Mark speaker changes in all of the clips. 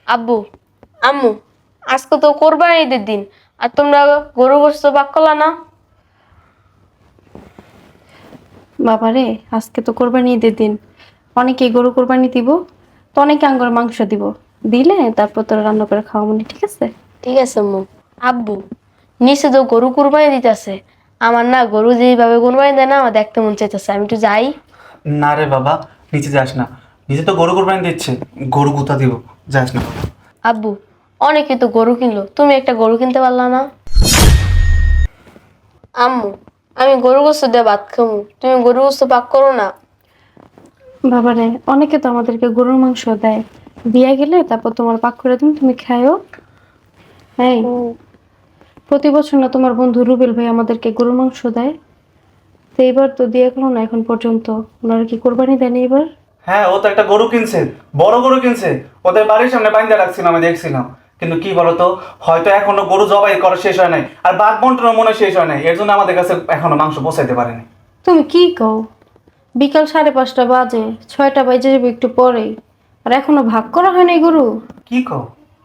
Speaker 1: আব্বু, আম্মু, আজকে তো কোরবানি ঈদের দিন, আর তোমরা গরু গোশত ভাগ করলা না?
Speaker 2: বাবারে, আজকে তো কোরবানি ঈদের দিন। অনেকে গরু কোরবানি দিব, তো অনেকে আঙ্গুর মাংস দিব। দিলে তারপর তোরা রান্না করে খাওয়া মনে, ঠিক আছে?
Speaker 1: ঠিক আছে আম্মু। আব্বু, নিচে তো গরু কুরবানি দিতেছে, আমার না গরু যেভাবে কুরবানি দেয় না, আমার দেখতে মন চাইতেছে, আমি একটু যাই।
Speaker 3: না রে বাবা, নিচে যাস না। নিচে তো গরু কোরবানি দিচ্ছে, গরু কোথা দিব, যাস না বাবা।
Speaker 1: আব্বু, অনেকে তো গরু কিনলো, তুমি একটা গরু কিনতে পারলা না? আম্মু, আমি গরু গোশত দিয়ে ভাত খামু, তুমি গরু গোশত পাক করো না।
Speaker 2: বাবারে, অনেকে তো আমাদেরকে গরুর মাংস দেয়। দিয়া গেলে তারপর তোমার পাক করে দিন, তুমি খায়ও। হ্যাঁ, প্রতি বছর না তোমার বন্ধু রুবেল ভাই আমাদেরকে গরুর মাংস দেয়? তো এইবার তো দিয়ে গেলো না এখন পর্যন্ত। ওনারা কি কোরবানি দেয়নি এবার?
Speaker 3: হ্যাঁ, ও তো একটা গরু কিনছে, বড় গরু কিনছে। ওদের বাড়ির সামনে বাইন্দা রাখছিলাম, আমি দেখছিলাম। কিন্তু কি বলতো, হয়তো এখনো গরু জবাই করা শেষ হয় নাই, আর বাঘ বন্টনও মনে হয় শেষ হয় নাই, এর জন্য আমাদের কাছে এখনো মাংস পৌঁছাইতে পারেনি।
Speaker 2: তুমি কি কও? বিকাল 5:30 বাজে, 6টা বাজে যাবে একটু পরেই, আর এখনো ভাগ করা হয় নাই গরু।
Speaker 3: কি কও?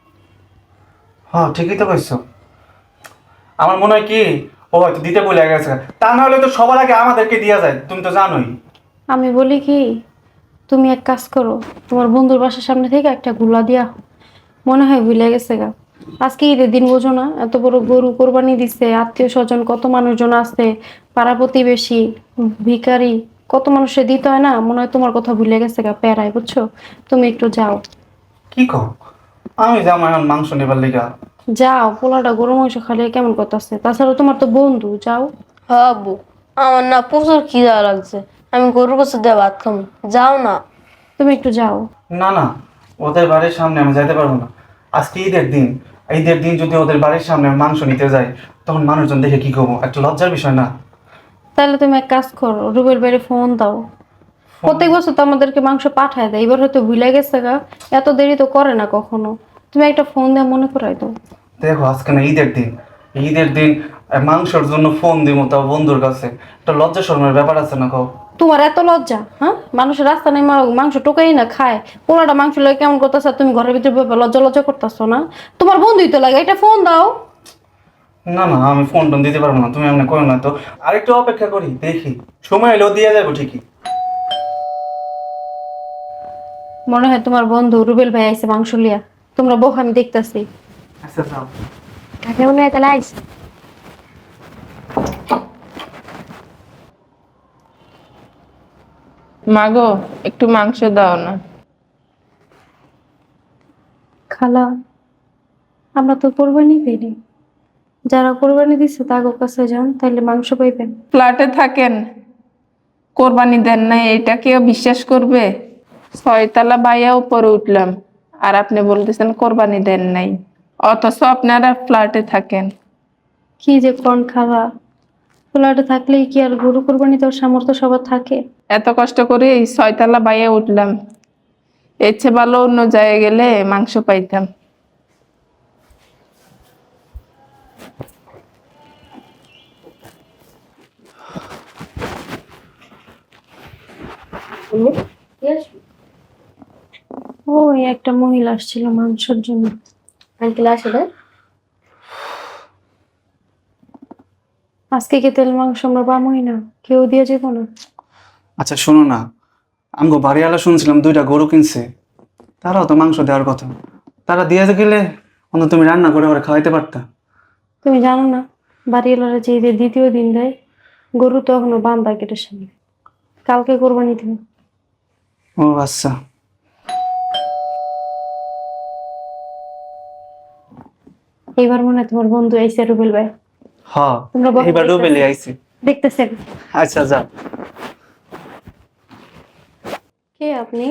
Speaker 3: হ্যাঁ, ঠিকই তো কইছো। আমার মনে হয় কি, ও হয়তো দিতে ভুলে গেছে। তা না হলে তো সবার আগে আমাদেরকে দিয়া যায়, তুমি তো জানোই।
Speaker 2: আমি বলি কি, তুমি এক কাজ করো, তোমার বন্ধুর বাসার সামনে থেকে একটা গুলা দিয়া, মনে হয় ভুলে গেছে গা। আজকে ঈদের দিন বোঝো না, এত বড় গরু কোরবানি দিচ্ছে, আত্মীয় স্বজন কত মানুষজন আছে, পাড়া প্রতিবেশী, ভিখারি, কত মানুষের দিতে হয় না, মনে হয় তোমার কথা ভুলে গেছে গা প্যারায়, বুঝছো? তুমি একটু যাও।
Speaker 3: কি কও? আমি যাবো এখন মাংস নেবার লিগা?
Speaker 2: যাও, পোলাটা গরু মাংস খালে কেমন করতেছে, তাছাড়া তোমার তো বন্ধু, যাও।
Speaker 1: হ্যাঁ আব্বু, আমার না প্রচুর খিদা লাগছে, আমি গরু গোশত দিয়ে ভাত খামু, যাও না।
Speaker 2: তুমি একটু যাও।
Speaker 3: না না, ওদের বাড়ির সামনে আমি যাইতে পারবো না। আজকে ঈদের দিন, ঈদের দিন যদি ওদের বাড়ির সামনে আমি মাংস নিতে যাই, তখন মানুষজন দেখে কি করবো, একটা লজ্জার বিষয় না?
Speaker 2: তাহলে তুমি এক কাজ করো, রুবেল বাইরে ফোন দাও। প্রত্যেক বছর তো আমাদেরকে মাংস পাঠায় দেয়, এবার হয়তো ভুলে গেছে গা, এত দেরি তো করে না কখনো। তুমি একটা ফোন দিয়ে মনে করাই দাও।
Speaker 3: দেখো, আজকে না ঈদের দিন, ঈদের দিন মাংসের জন্য ফোন দিব, তাও বন্ধুর কাছে। একটা লজ্জা শরমের ব্যাপার আছে না কও?
Speaker 2: তোমার এত লজ্জা? হ্যাঁ, মানুষের রাস্তা নেই মাংস টোকাই না খায়, পোলাটা মাংস লাগে কেমন করতেছ, তুমি ঘরের ভিতরে লজ্জা লজ্জা করতেছো না? তোমার বন্ধুই তো লাগে, একটা ফোন দাও।
Speaker 3: না না, আমি ফোন টোন দিতে পারবো না, তুমি এমনি করো না তো। আরেকটু অপেক্ষা করি, দেখি সময় এলেও দিয়ে যাবো ঠিকই।
Speaker 2: মনে হয় তোমার বন্ধু রুবেল ভাই আইছে মাংস লিয়া, তোমরা বউ, আমি দেখতাছি।
Speaker 3: আচ্ছা যাও।
Speaker 1: কাকে মনে হয় তাহলে আইস।
Speaker 4: মাগো, একটু মাংস দাও না।
Speaker 2: খালা, আমরা তো কোরবানি দিইনি, যারা কোরবানি দিচ্ছে তাদের কাছে যান, তাইলে মাংস পাইবেন।
Speaker 4: ফ্ল্যাটে থাকেন, কোরবানি দেন নাই এটা কেউ বিশ্বাস করবে? 6তলা বাইয়া উপরে উঠলাম, আর আপনি বলতেছেন কোরবানি দেন নাই, অথচ আপনারা ফ্ল্যাটে থাকেন।
Speaker 2: কি যে কোন খালা, পোলাটা থাকলেই কি আর গরু কোরবানি দেওয়ার সামর্থ্য সবার থাকে?
Speaker 4: এত কষ্ট করে এই 6তলা বাইয়া উঠলাম, এর চেয়ে ভালো অন্য জায়গায় গেলে মাংস পাইতাম।
Speaker 2: ওই একটা মহিলা আসছিল মাংসের জন্য।
Speaker 1: আঙ্কেল আসলে
Speaker 2: আজকে কি তেল মাংস আমরা পাবোই না, কেউ দিয়ে যেত না?
Speaker 3: আচ্ছা শোনো না, আমগো বাড়িওয়ালা শুনছিলাম 2টা গরু কিনছে, তারাও তো মাংস দেওয়ার কথা। তারা দিয়ে গেলে অন্তত তুমি রান্না করে ওরা খাওয়াইতে পারতা।
Speaker 2: তুমি জানো না, বাড়িওয়ালারা যে ঈদের দ্বিতীয় দিন দেয়, গরু তো এখনো বান্ধা গেটের সামনে, কালকে কোরবানি দিবে।
Speaker 3: ও আচ্ছা।
Speaker 2: এইবার মনে হয় তোমার বন্ধু আইসে রুবেল ভাই।
Speaker 3: হ,
Speaker 2: তোমরা বসো,
Speaker 3: এইবার রুবেলি
Speaker 2: দেখতেছি।
Speaker 3: আইছি।
Speaker 2: দেখতেছেন?
Speaker 3: আচ্ছা যাও।
Speaker 2: কে আপনি?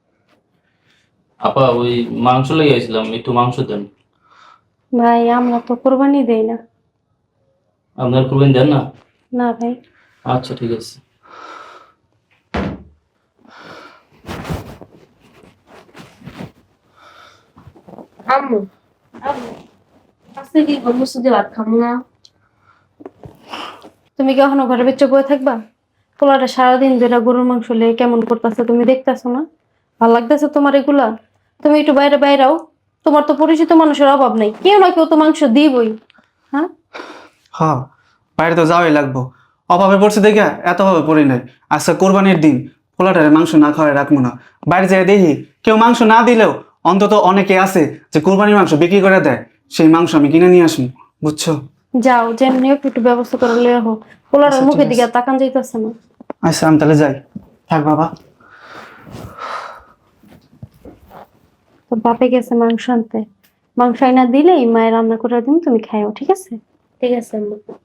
Speaker 5: আপা ওই মাংস লেগে গেছিলাম, একটু মাংস দেন।
Speaker 2: ভাই, আমরা তো কোরবানি দেই না।
Speaker 5: আপনার করবেন দেন না?
Speaker 2: না ভাই।
Speaker 5: আচ্ছা ঠিক আছে।
Speaker 1: আম্মু, আম্মু, আজকে কি গরু গোশত দিয়ে ভাত খামু না?
Speaker 2: তুমি কি এখনো ঘরের ভিতরে বয়ে থাকবা? পোলাটা সারাদিন ধরে গরুর মাংস লেগে কেমন করতেছে, তুমি দেখতেছো না? ভাল লাগতেছে তোমার এগুলা? তুমি একটু বাইরে বাইরাও। তোমার তো পরিচিত মানুষের অভাব নাই, কেউ না কেউ তো মাংস দিবই। হ্যাঁ,
Speaker 3: হ্যাঁ, বাইরে তো যাওয়াই লাগবো। অভাবে পড়ছে দেখে এত অভাবে পড়ি নাই। আজকে কোরবানির দিন, পোলাটারে মাংস না খাওয়াই রাখবো না। বাইরে যেয়ে দেখি কেউ মাংস না দিলেও অন্তত অনেকে আছে যে কোরবানির মাংস বিক্রি করে দেয়, সেই মাংস আমি কিনে নিয়ে আসবো, বুঝছো?
Speaker 2: যাও যেমনি হোক একটু ব্যবস্থা করে লিয়ে হোক, পোলাটার
Speaker 3: আচ্ছা,
Speaker 2: মুখের
Speaker 3: ঠিক
Speaker 2: দিকে
Speaker 3: আছে।
Speaker 2: আর তাকান যাইতেছে না।
Speaker 3: আচ্ছা, আমি তাহলে যাই। থাক বাবা।
Speaker 2: তোর বাপে গেছে মাংস আনতে, মাংস আইনা দিলেই মায়ের রান্না করে দিন, তুমি খাইও, ঠিক আছে?
Speaker 1: ঠিক আছে আম্মু।